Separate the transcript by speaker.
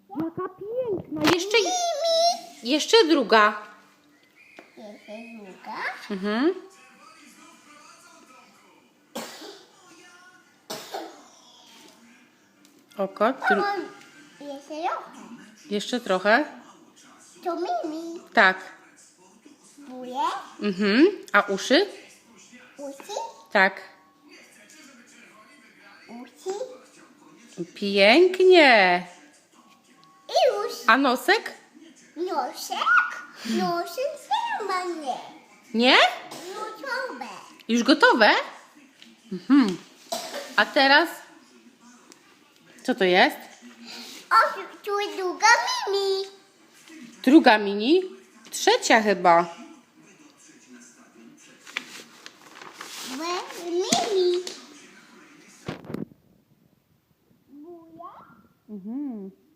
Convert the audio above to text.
Speaker 1: Jaka piękna. Jeszcze druga.
Speaker 2: Jeszcze druga.
Speaker 1: Mhm. Oko.
Speaker 2: Jeszcze trochę.
Speaker 1: Jeszcze trochę.
Speaker 2: To Mimi.
Speaker 1: Tak.
Speaker 2: Buję.
Speaker 1: Mhm. A uszy?
Speaker 2: Usi.
Speaker 1: Tak.
Speaker 2: Usi.
Speaker 1: Pięknie.
Speaker 2: I już.
Speaker 1: A nosek?
Speaker 2: Nosek. Nosek sama nie.
Speaker 1: Nie?
Speaker 2: Gotowe.
Speaker 1: Już gotowe? Mhm. A teraz? Co to jest?
Speaker 2: O, tu jest druga Mimi.
Speaker 1: Druga mini? Trzecia chyba.
Speaker 2: Mimi. Buja.
Speaker 1: Mhm.